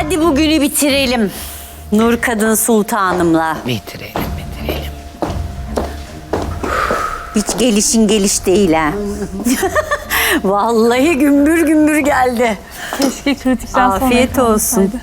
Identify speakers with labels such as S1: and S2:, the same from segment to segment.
S1: Hadi bugünü bitirelim. Nur Kadın Sultanımla.
S2: Bitirelim.
S1: Hiç gelişin geliş değil ha. Vallahi gümbür gümbür geldi.
S3: Keşke kritikten sonra
S1: Afiyet olsun.
S3: kalmasaydı.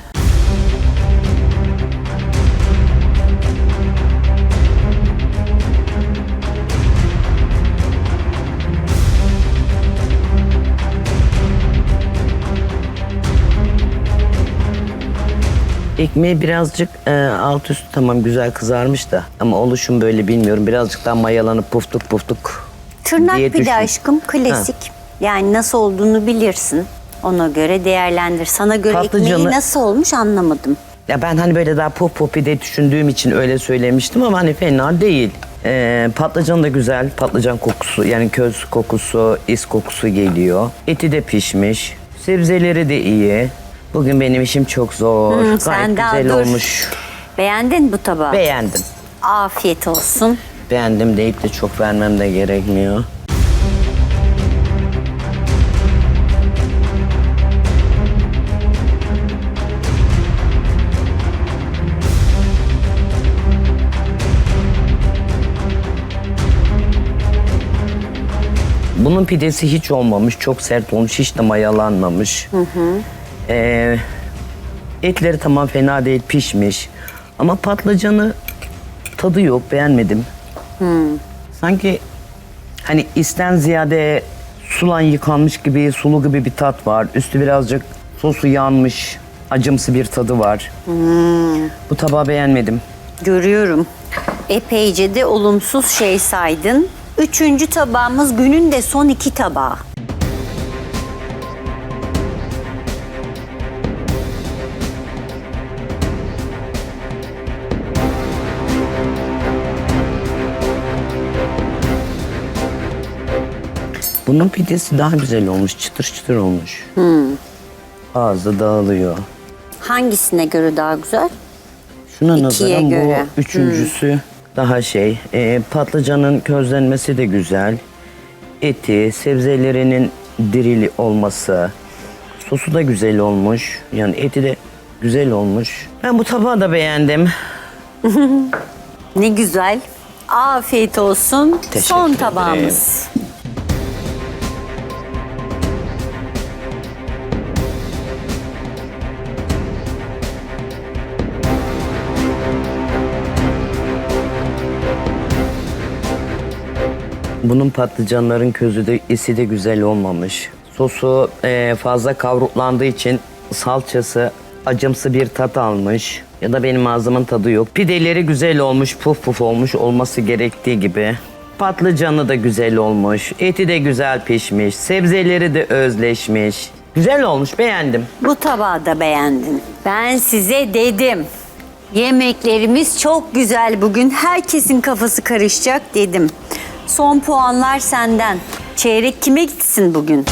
S2: Ekmeği birazcık alt üstü tamam güzel kızarmış da ama oluşum böyle bilmiyorum. Birazcık daha mayalanıp puftuk puftuk
S1: Tırnak
S2: diye
S1: pide
S2: düşün.
S1: aşkım klasik. Yani nasıl olduğunu bilirsin. Ona göre değerlendir. Sana göre ekmeği
S2: Patlıcanı-
S1: nasıl olmuş anlamadım.
S2: Ya ben hani böyle daha puf puf pide düşündüğüm için öyle söylemiştim ama hani fena değil. Patlıcan da güzel. Patlıcan kokusu yani köz kokusu, is kokusu geliyor. Eti de pişmiş. Sebzeleri de iyi. Bugün benim işim çok zor.
S1: Sen
S2: Gayet
S1: daha
S2: güzel
S1: dur.
S2: olmuş.
S1: Beğendin bu tabağı?
S2: Beğendim.
S1: Afiyet olsun.
S2: Beğendim deyip de çok vermem de gerekmiyor. Bunun pidesi hiç olmamış, çok sert olmuş, hiç de mayalanmamış. Etleri tamam fena değil, pişmiş. Ama patlıcanı tadı yok, beğenmedim. Sanki hani isten ziyade sulan yıkanmış gibi, sulu gibi bir tat var. Üstü birazcık sosu yanmış, acımsı bir tadı var. Bu tabağı beğenmedim.
S1: Görüyorum. Epeyce de olumsuz şey saydın. Üçüncü tabağımız günün de son iki tabağı.
S2: Bunun pidesi daha güzel olmuş, çıtır çıtır olmuş. Ağızda dağılıyor.
S1: Hangisine göre daha güzel?
S2: Şuna
S1: İkiye
S2: nazaran
S1: göre.
S2: bu üçüncüsü daha şey. Patlıcanın közlenmesi de güzel. Eti, sebzelerinin dirili olması. Sosu da güzel olmuş. Yani eti de güzel olmuş. Ben bu tabağı da beğendim.
S1: Ne güzel. Afiyet olsun.
S2: Teşekkür
S1: Son
S2: ederim.
S1: tabağımız.
S2: Bunun patlıcanların közü de isi de güzel olmamış. Sosu fazla kavruklandığı için salçası acımsı bir tat almış. Ya da benim ağzımın tadı yok. Pideleri güzel olmuş, puf puf olmuş olması gerektiği gibi. Patlıcanı da güzel olmuş. Eti de güzel pişmiş. Sebzeleri de özleşmiş. Güzel olmuş, beğendim.
S1: Bu tabağı da beğendin. Ben size dedim. Yemeklerimiz çok güzel bugün. Herkesin kafası karışacak dedim. Son puanlar senden. Çeyrek kime gitsin bugün?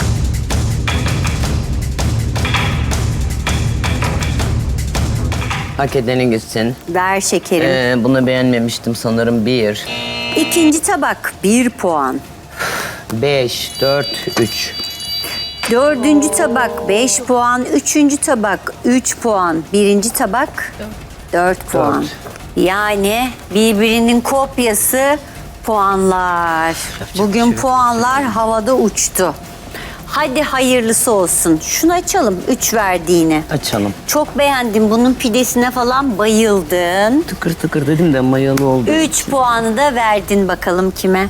S2: Hak edenin gitsin.
S1: Ver şekerim.
S2: Bunu beğenmemiştim sanırım. 1,
S1: İkinci tabak 1 puan.
S2: 5, 4, 3.
S1: Dördüncü tabak 5 puan. Üçüncü tabak 3 puan. Birinci tabak 4 puan. Yani birbirinin kopyası puanlar. Bugün puanlar havada uçtu. Hadi hayırlısı olsun. Şunu açalım 3 verdiğini.
S2: Açalım.
S1: Çok beğendim. Bunun pidesine falan bayıldın.
S2: Tıkır tıkır dedim de mayalı oldu.
S1: 3 puanı da verdin bakalım kime?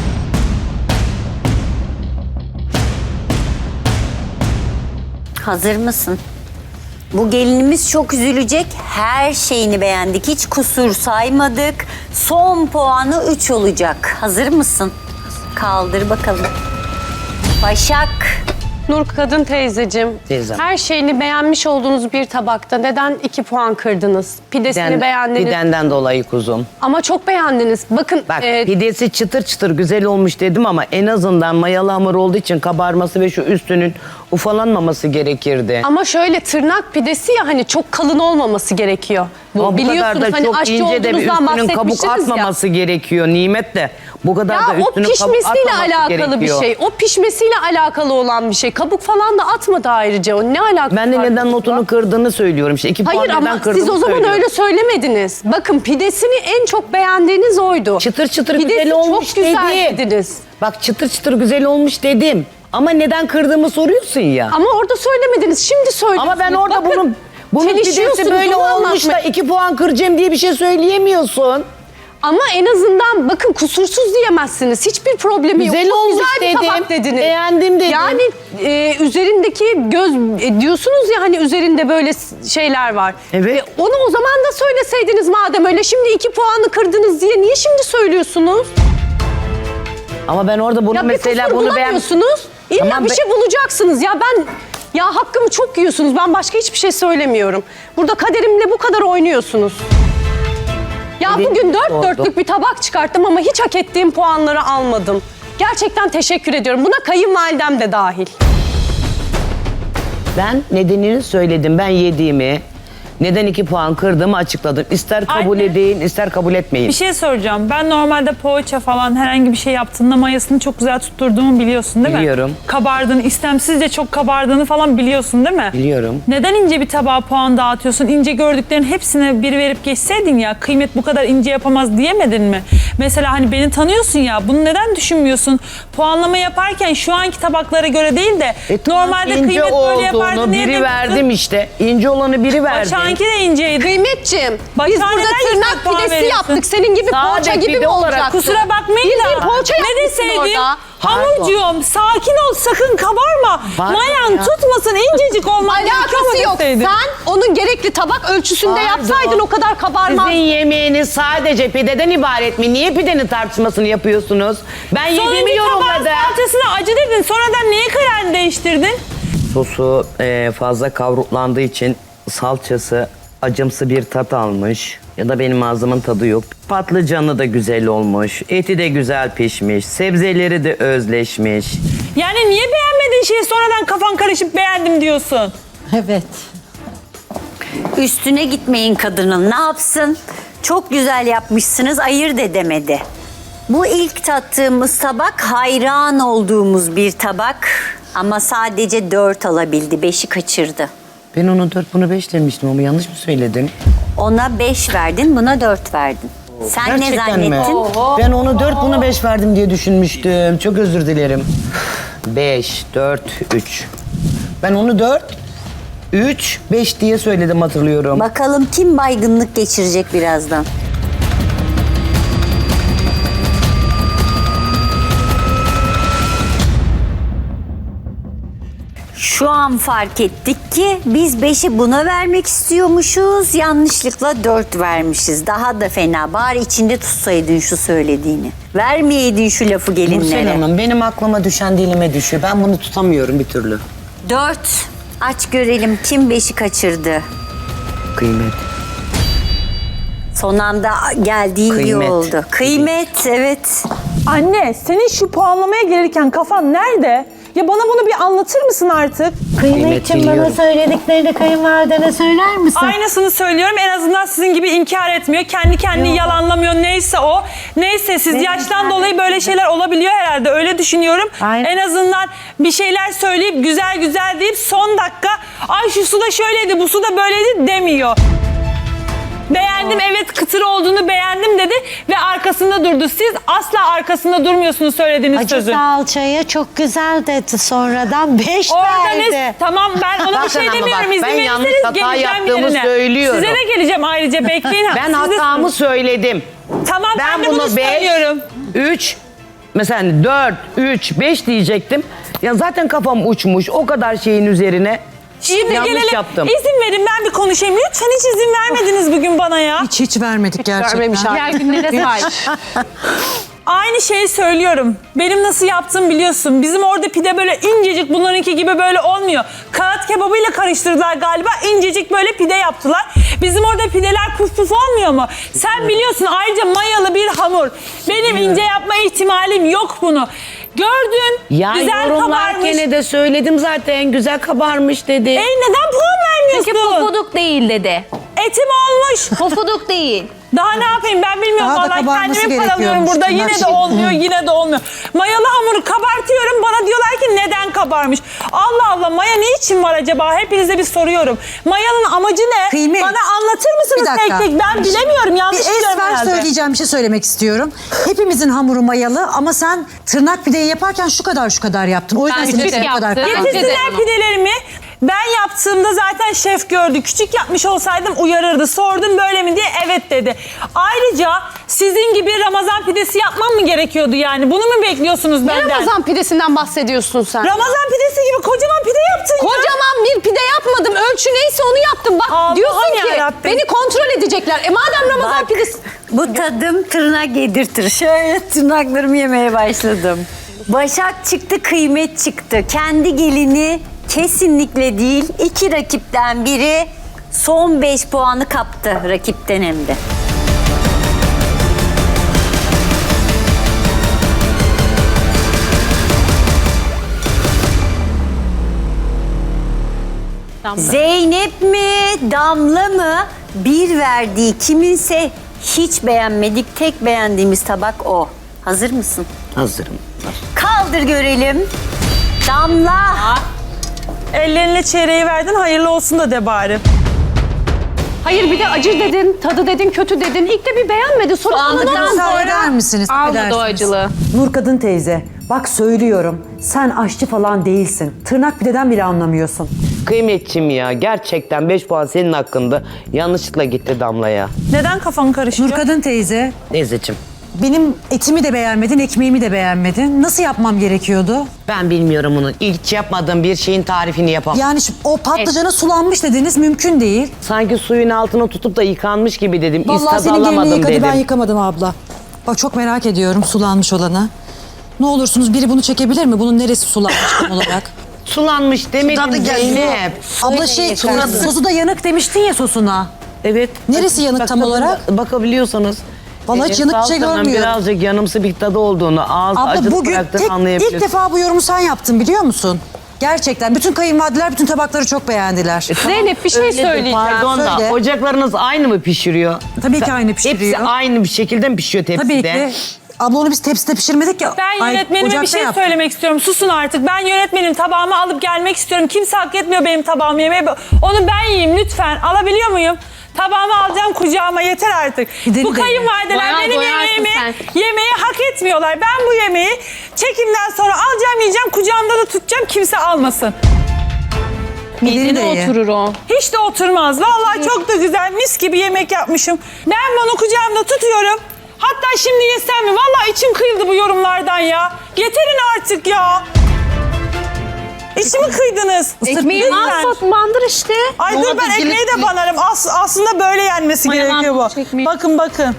S1: Hazır mısın? Bu gelinimiz çok üzülecek. Her şeyini beğendik. Hiç kusur saymadık. Son puanı 3 olacak. Hazır mısın? Kaldır bakalım. Başak.
S3: Nur Kadın teyzeciğim,
S2: Teyzem.
S3: her şeyini beğenmiş olduğunuz bir tabakta neden 2 puan kırdınız? Pidesini beğendiniz
S2: Pidenden dolayı kuzum.
S3: ama çok beğendiniz. Bakın
S2: Bak pidesi çıtır çıtır güzel olmuş dedim ama en azından mayalı hamur olduğu için kabarması ve şu üstünün ufalanmaması gerekirdi.
S3: Ama şöyle tırnak pidesi ya hani çok kalın olmaması gerekiyor.
S2: Ama bu kadar
S3: biliyorsunuz
S2: da
S3: hani
S2: çok
S3: aşçı
S2: ince de bir
S3: olduğunuzdan
S2: üstünün kabuk
S3: bahsetmiştiniz ya.
S2: atmaması gerekiyor Nimet de. Bu kadar da
S3: Ya o
S2: üstünün kabuk
S3: pişmesiyle
S2: atmaması
S3: alakalı
S2: gerekiyor.
S3: bir şey. O pişmesiyle alakalı olan bir şey. Kabuk falan da atmadı ayrıca. O ne alakası
S2: Ben de
S3: var
S2: neden
S3: bununla?
S2: notunu kırdığını söylüyorum. İşte 2 puan
S3: Hayır
S2: neden
S3: ama
S2: kırdığını
S3: siz o zaman
S2: söylüyorum.
S3: öyle söylemediniz. Bakın pidesini en çok beğendiğiniz oydu.
S2: Çıtır çıtır
S3: Pidesi
S2: güzel olmuş
S3: çok güzel
S2: dedim.
S3: dediniz.
S2: Bak çıtır çıtır güzel olmuş dedim. Ama neden kırdığımı soruyorsun ya.
S3: Ama orada söylemediniz. Şimdi söylüyorsunuz.
S2: Ama ben orada
S3: Bakın,
S2: bunun pidesi
S3: çelişiyorsunuz,
S2: böyle
S3: onu
S2: olmuş da
S3: anlatmaya-
S2: 2 puan kıracağım diye bir şey söyleyemiyorsun.
S3: Ama en azından bakın kusursuz diyemezsiniz. Hiçbir problemi
S2: Güzel
S3: yok. Çok
S2: olmuş
S3: güzel bir
S2: dedim.
S3: tabak dediniz.
S2: Beğendim dedim.
S3: Yani üzerindeki göz diyorsunuz ya hani üzerinde böyle şeyler var.
S2: Evet.
S3: Onu o zaman da söyleseydiniz madem öyle. Şimdi 2 puanı kırdınız diye niye şimdi söylüyorsunuz?
S2: Ama ben orada bunu
S3: Ya
S2: mesela
S3: bir kusur
S2: bunu
S3: bulamıyorsunuz. İlla
S2: Tamam,
S3: bir şey bulacaksınız. Ya hakkımı çok yiyorsunuz. Ben başka hiçbir şey söylemiyorum. Burada kaderimle bu kadar oynuyorsunuz. Ya
S2: Dediğim
S3: bugün
S2: gibi
S3: 4
S2: oldu.
S3: dörtlük bir tabak çıkarttım ama hiç hak ettiğim puanları almadım. Gerçekten teşekkür ediyorum. Buna kayınvalidem de dahil.
S2: Ben nedenini söyledim. Ben yediğimi, neden 2 puan kırdığımı açıkladım. İster kabul
S4: Anne.
S2: edin, ister kabul etmeyin.
S4: Bir şey soracağım. Ben normalde poğaça falan herhangi bir şey yaptığında mayasını çok güzel tutturduğumu biliyorsun değil mi?
S2: Biliyorum.
S4: Kabardığını, istemsizce çok kabardığını falan biliyorsun değil mi?
S2: Biliyorum.
S4: Neden ince bir tabağa puan dağıtıyorsun? İnce gördüklerin hepsine bir verip geçseydin ya, kıymet bu kadar ince yapamaz diyemedin mi? Mesela hani beni tanıyorsun ya, bunu neden düşünmüyorsun? Puanlama yaparken şu anki tabaklara göre değil de normalde
S2: ince
S4: kıymet böyle yapardı.
S2: olduğunu
S4: Niye
S2: biri
S4: demiyorsun?
S2: verdim işte. İnce olanı biri verdim.
S4: Başak'ınki de inceydi.
S3: Kıymetciğim, biz
S4: Başak'a
S3: burada
S4: neden
S3: tırnak
S4: yüksek puan
S3: pidesi
S4: veriyorsun?
S3: yaptık. Senin gibi
S2: Sade
S3: poğaça gibi
S2: pide
S3: mi
S2: olarak
S3: olacaktı?
S4: Kusura bakmayın
S3: Bildiğin
S4: da
S3: poğaça
S4: ne
S3: yapmışsın
S4: deseydim?
S3: orada.
S4: Hamurcuğum sakin ol, sakın kabarma.
S2: Var
S4: Mayan
S2: ya.
S4: tutmasın, incecik olman gerekiyor
S3: Alakası
S4: mu
S3: yok.
S4: deseydin?
S3: Sen onun gerekli tabak ölçüsünde
S2: Pardon.
S3: yapsaydın o kadar kabarmaz.
S2: Sizin yemeğiniz sadece pideden ibaret mi? Niye pidenin tartışmasını yapıyorsunuz? Ben yediğimi
S4: Sonuncu tabağın
S2: yorumladım.
S4: salçasına acı dedin, sonradan niye kararını değiştirdin?
S2: Sosu fazla kavruklandığı için salçası acımsı bir tat almış. Ya da benim ağzımın tadı yok. Patlıcanı da güzel olmuş. Eti de güzel pişmiş. Sebzeleri de özleşmiş.
S4: Yani niye beğenmediğin şeyi sonradan kafan karışıp beğendim diyorsun?
S1: Evet. Üstüne gitmeyin kadının. Ne yapsın? Çok güzel yapmışsınız, ayırt edemedi. Bu ilk tattığımız tabak hayran olduğumuz bir tabak. Ama sadece 4 alabildi, 5'i kaçırdı.
S2: Ben ona 4 bunu 5 demiştim ama yanlış mı söyledim?
S1: Ona 5 verdin, buna 4 verdin. Sen ne
S2: Gerçekten mi?
S1: zannettin?
S2: Ben onu 4 bunu 5 verdim diye düşünmüştüm. Çok özür dilerim. 5, 4, 3. Ben onu 4, 3, 5 diye söyledim hatırlıyorum.
S1: Bakalım kim baygınlık geçirecek birazdan. Şu an fark ettik ki biz 5'i buna vermek istiyormuşuz. Yanlışlıkla 4 vermişiz. Daha da fena. Bari içinde tutsaydın şu söylediğini. Vermeyeydin şu lafı
S2: Nursel
S1: gelinlere.
S2: Hanım benim aklıma düşen dilime düşüyor. Ben bunu tutamıyorum bir türlü.
S1: 4. Aç görelim kim 5'i kaçırdı.
S2: Kıymet.
S1: Son anda geldiği iyi
S2: Kıymet.
S1: oldu. Kıymet, evet.
S4: Anne, senin şu puanlamaya gelirken kafan nerede? Ya bana bunu bir anlatır mısın artık?
S5: Kıymetciğim bana
S2: biliyorum.
S5: söylediklerini kayınvalidene söyler misin?
S4: Aynısını söylüyorum. En azından sizin gibi inkar etmiyor. Kendi kendini yalanlamıyor. Neyse o. Neyse siz yaştan dolayı böyle şeyler olabiliyor herhalde. Öyle düşünüyorum.
S5: Aynen.
S4: En azından bir şeyler söyleyip güzel güzel deyip son dakika ay şu su da şöyleydi bu su da böyleydi demiyor. Beğendim evet kıtır olduğunu beğendim dedi ve arkasında durdu. Siz asla arkasında durmuyorsunuz söylediğiniz
S5: Acı
S4: sözün.
S5: salçaya çok güzel dedi sonradan 5
S4: Orada
S5: verdi.
S4: ne? Tamam ben ona bir
S2: Bakın
S4: şey
S2: ama
S4: demiyorum.
S2: bak,
S4: İzin
S2: ben yanlış
S4: verirseniz
S2: hata
S4: geleceğim
S2: yaptığımı
S4: yerine.
S2: söylüyorum.
S4: Size de geleceğim ayrıca bekleyin.
S2: Ben
S4: Siz de-
S2: hatamı söyledim.
S4: Tamam ben,
S2: Ben
S4: de bunu
S2: bunu 5,
S4: söylüyorum.
S2: 3, mesela 4, 3, 5 diyecektim. Ya zaten kafam uçmuş o kadar şeyin üzerine.
S4: Şimdi
S2: yanlış
S4: gelelim.
S2: yaptım.
S4: İzin verin ben bir konuşayım. Lütfen hiç izin vermediniz bugün bana ya.
S6: Hiç vermedik gerçekten.
S3: Diğer günlere sahip.
S4: Aynı şeyi söylüyorum. Benim nasıl yaptığımı biliyorsun. Bizim orada pide böyle incecik bunlarınki gibi böyle olmuyor. Kağıt kebabıyla karıştırdılar galiba. İncecik böyle pide yaptılar. Bizim orada pideler puf puf olmuyor mu? Sen biliyorsun ayrıca mayalı bir hamur. Benim ince yapma ihtimalim yok bunu. Gördün.
S2: Ya
S4: güzel
S2: yorumlarken
S4: kabarmış.
S2: de söyledim zaten. Güzel kabarmış dedi.
S4: Neden puan vermiyorsun?
S7: Çünkü pofuduk değil dedi.
S4: Etim olmuş.
S7: Pofuduk değil.
S4: Daha ne yapayım ben bilmiyorum.
S6: Daha da
S4: Vallahi
S6: kabarması
S4: kendimi paralıyorum
S6: gerekiyormuş
S4: burada.
S6: tırnak
S4: Yine de
S6: şey.
S4: olmuyor, yine de olmuyor. Mayalı hamuru kabartıyorum. Bana diyorlar ki neden kabarmış? Allah Allah, maya ne için var acaba? Hepinize bir soruyorum. Mayanın amacı ne?
S6: Kıymet.
S4: Bana anlatır
S6: Bir
S4: mısınız
S6: dakika.
S4: tek tek? Ben bilemiyorum. Yanlış
S6: Bir
S4: biliyorum
S6: esmer
S4: herhalde.
S6: söyleyeceğim bir şey söylemek istiyorum. Hepimizin hamuru mayalı ama sen tırnak pideyi yaparken şu kadar yaptın. O yüzden
S7: Ben
S6: senin
S7: küçük
S6: için bu kadar
S7: yaptım.
S6: kaldı.
S4: Getirsinler pidelerimi. Ben yaptığımda zaten şef gördü. Küçük yapmış olsaydım uyarırdı. Sordum böyle mi diye, evet dedi. Ayrıca sizin gibi Ramazan pidesi yapmam mı gerekiyordu yani? Bunu mu bekliyorsunuz
S3: Ne
S4: benden?
S3: Ramazan pidesinden bahsediyorsun sen?
S4: Ramazan pidesi gibi kocaman pide yaptın ya.
S3: Kocaman bir pide yapmadım. Ölçü neyse onu yaptım. Bak
S4: Allah'ım
S3: diyorsun ki
S4: yarabbim.
S3: beni kontrol edecekler. Madem Ramazan
S1: Bak,
S3: pidesi...
S1: bu tadım tırnak yedirtir. Şöyle tırnaklarımı yemeye başladım. Başak çıktı, kıymet çıktı. Kendi gelini kesinlikle değil. 2 rakipten biri son 5 puanı kaptı rakipten hem de. Zeynep mi, Damla mı? Bir verdiği kiminse hiç beğenmedik. Tek beğendiğimiz tabak o. Hazır mısın?
S2: Hazırım.
S1: Kaldır görelim. Damla.
S4: Ellerine çeyreği verdin, hayırlı olsun da de bari.
S3: Hayır bir de acı dedin, tadı dedin, kötü dedin. İlk de bir beğenmedi. Sonra
S7: Soğanlıktan
S6: Müsaade eder
S7: sonra
S6: misiniz?
S7: almadı o
S6: Affedersiniz.
S7: acılı.
S8: Nurkadın teyze, bak söylüyorum. Sen aşçı falan değilsin. Tırnak pideden bile anlamıyorsun.
S2: Kıymetçim ya, gerçekten 5 puan senin hakkında. Yanlışlıkla gitti Damla'ya.
S4: Neden kafan karışıyor?
S6: Nurkadın teyze,
S2: Teyzeciğim,
S6: benim etimi de beğenmedin, ekmeğimi de beğenmedin. Nasıl yapmam gerekiyordu?
S2: ben bilmiyorum onu. Hiç yapmadığım bir şeyin tarifini yapamam.
S6: Yani o patlıcana sulanmış dediniz, mümkün değil.
S2: Sanki suyun altına tutup da yıkanmış gibi dedim.
S6: Vallahi
S2: İstaz
S6: senin gelini
S2: alamadım
S6: yıkadı,
S2: dedim.
S6: ben yıkamadım abla. Bak çok merak ediyorum sulanmış olanı. Ne olursunuz biri bunu çekebilir mi? Bunun neresi sulanmış tam olarak?
S2: Sulanmış demedim Zeynep.
S6: Abla sosu da yanık demiştin ya sosuna.
S2: Evet.
S6: Neresi yanık tam olarak?
S2: Bakabiliyorsanız.
S6: Vallahi hiç yanık bir şey
S2: salçanın
S6: görmüyorum.
S2: Birazcık yanımsı bir tadı olduğunu, ağız
S6: Abla
S2: acılı
S6: bugün
S2: bıraktığını anlayabilirsin.
S6: ilk defa bu yorumu sen yaptın biliyor musun? Gerçekten bütün kayınvalideler bütün tabakları çok beğendiler.
S3: Zeynep bir şey
S2: Öyledir,
S3: söyleyeceğim.
S2: Pardon da
S6: Söyle.
S2: ocaklarınız aynı mı pişiriyor?
S6: Tabii ki aynı pişiriyor.
S2: Hepsi aynı bir şekilde mi pişiyor tepside?
S6: Tabii ki. Abla onu biz tepside pişirmedik ya.
S4: Ben yönetmenime bir
S6: ocakta
S4: şey
S6: yaptık.
S4: söylemek istiyorum. Susun artık. Ben yönetmenim tabağımı alıp gelmek istiyorum. Kimse hak etmiyor benim tabağımı yemeye. Onu ben yiyeyim lütfen. Alabiliyor muyum? Tabağımı alacağım kucağıma, yeter artık.
S6: Gidelim
S4: Bu
S6: de.
S4: kayınvalideler
S7: Bayağı
S4: benim
S7: doyarsın
S4: yemeğimi
S7: sen.
S4: yemeği hak etmiyorlar. Ben bu yemeği çekimden sonra alacağım, yiyeceğim, kucağımda da tutacağım, kimse almasın.
S6: Mideni de ye.
S3: Oturur o.
S4: Hiç de oturmaz. Vallahi çok da güzel, mis gibi yemek yapmışım. Ben bunu kucağımda tutuyorum. Hatta şimdi yesem mi? Vallahi içim kıyıldı bu yorumlardan ya. Yeterin artık ya. İçimi kıydınız.
S3: Ekmeği
S4: Lütfen.
S3: bandır işte.
S4: Ay dur, ben ekmeği de banarım. Aslında böyle yenmesi gerekiyor bu.
S7: ekmeği.
S4: Bakın bakın.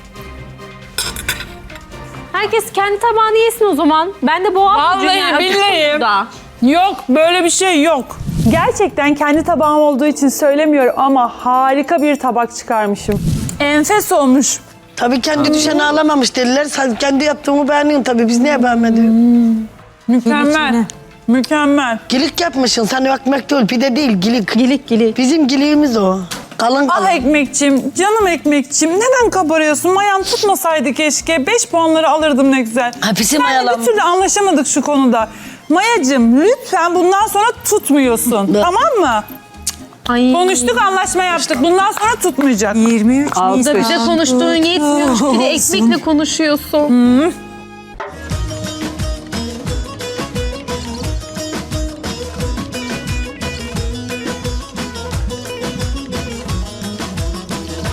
S7: Herkes kendi tabağını yesin o zaman. Ben de boğaz
S4: Vallahi billahi. Yok, böyle bir şey yok. Gerçekten kendi tabağım olduğu için söylemiyorum ama harika bir tabak çıkarmışım. Enfes olmuş.
S9: Tabii kendi düşeni alamamış dediler. Sen kendi yaptığımı beğendin tabii. Biz niye beğenmedik?
S4: Mükemmel. Mükemmel.
S9: Gilik yapmışsın. Sen ekmek değil, pide değil, gilik.
S3: Gilik.
S9: Bizim giliğimiz o. Kalın kalın.
S4: Ah ekmekçim, canım ekmekçim. Neden kabarıyorsun? Mayan tutmasaydı keşke. 5 puanları alırdım ne güzel.
S9: Hapisi
S4: Seninle
S9: mayalanmış.
S4: bir türlü anlaşamadık şu konuda. Mayacım lütfen bundan sonra tutmuyorsun. Tamam mı?
S7: Ay.
S4: Konuştuk, anlaşma yaptık. Bundan sonra tutmayacak.
S6: 23
S7: Da
S6: Nisan.
S7: bize konuştuğun yetmiyor. Bir de ekmekle konuşuyorsun.